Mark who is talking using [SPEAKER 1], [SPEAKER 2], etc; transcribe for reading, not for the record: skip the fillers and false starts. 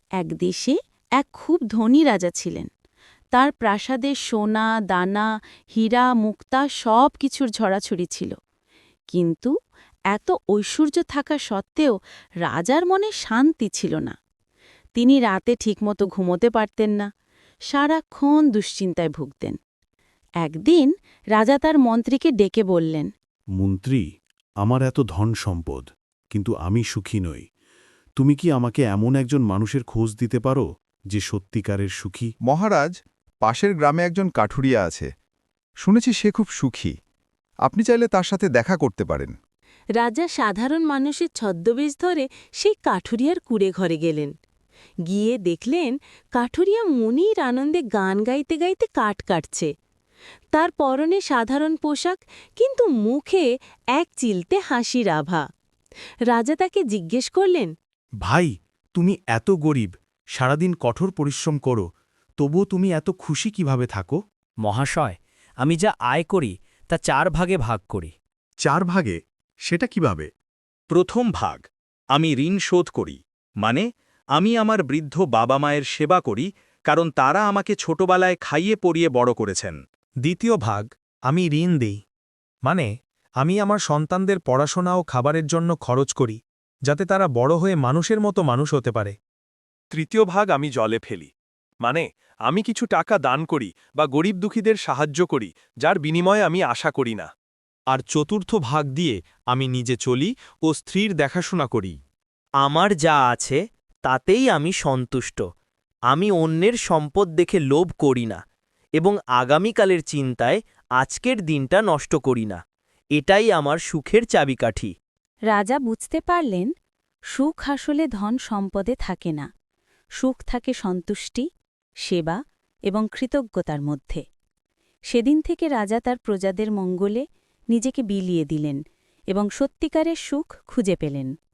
[SPEAKER 1] এক দেশে এক খুব ধনী রাজা ছিলেন। তার প্রাসাদে সোনা, দানা, হীরা, মুক্তা সব কিছুর ঝরাছড়ি ছিল। কিন্তু এত ঐশ্বর্য থাকা সত্ত্বেও রাজার মনে শান্তি ছিল না। তিনি রাতে ঠিকমতো ঘুমোতে পারতেন না, সারাক্ষণ দুশ্চিন্তায় ভুগতেন। একদিন রাজা তার মন্ত্রীকে ডেকে বললেন,
[SPEAKER 2] মন্ত্রী, আমার এত ধন সম্পদ, কিন্তু আমি সুখী নই। তুমি কি আমাকে এমন একজন মানুষের খোঁজ দিতে পারো যে সত্যিকারের সুখী?
[SPEAKER 3] মহারাজ, পাশের গ্রামে একজন কাঠুরিয়া আছে। শুনেছি সে খুব সুখী। আপনি চাইলে তার সাথে দেখা করতে পারেন।
[SPEAKER 4] রাজা সাধারণ মানুষের ছদ্মবেশ ধরে সেই কাঠুরিয়ার কুঁড়ে ঘরে গেলেন। গিয়ে দেখলেন কাঠুরিয়া মনির আনন্দে গান গাইতে গাইতে কাঠ কাটছে। তার পরনে সাধারণ পোশাক, কিন্তু মুখে এক চিলতে হাসির আভা। রাজা তাকে জিজ্ঞেস করলেন,
[SPEAKER 5] ভাই, তুমি এত গরিব, সারাদিন কঠোর পরিশ্রম করো, তবুও তুমি এত খুশি কিভাবে থাকো?
[SPEAKER 6] মহাশয়, আমি যা আয় করি তা 4 ভাগে ভাগ করি।
[SPEAKER 2] 4 ভাগে? সেটা কিভাবে?
[SPEAKER 7] প্রথম ভাগ, আমি ঋণ শোধ করি, মানে আমি আমার বৃদ্ধ বাবা মায়ের সেবা করি, কারণ তারা আমাকে ছোটবেলায় খাইয়ে পরিয়ে বড় করেছেন।
[SPEAKER 5] দ্বিতীয় ভাগ, আমি ঋণ দেই, মানে আমি আমার সন্তানদের পড়াশোনা ও খাবারের জন্য খরচ করি, যাতে তারা বড় হয়ে মানুষের মতো মানুষ হতে পারে।
[SPEAKER 8] তৃতীয় ভাগ আমি জলে ফেলি, মানে আমি কিছু টাকা দান করি বা গরিব দুঃখীদের সাহায্য করি, যার বিনিময়ে আমি আশা করি না।
[SPEAKER 5] আর চতুর্থ ভাগ দিয়ে আমি নিজে চলি ও স্ত্রীর দেখাশোনা করি।
[SPEAKER 6] আমার যা আছে তাতেই আমি সন্তুষ্ট। আমি অন্যের সম্পদ দেখে লোভ করি না এবং আগামীকালের চিন্তায় আজকের দিনটা নষ্ট করি না। এটাই আমার সুখের চাবিকাঠি।
[SPEAKER 1] রাজা বুঝতে পারলেন, সুখ আসলে ধন সম্পদে থাকে না। সুখ থাকে সন্তুষ্টি, সেবা এবং কৃতজ্ঞতার মধ্যে। সেদিন থেকে রাজা তার প্রজাদের মঙ্গলে নিজেকে বিলিয়ে দিলেন এবং সত্যিকারের সুখ খুঁজে পেলেন।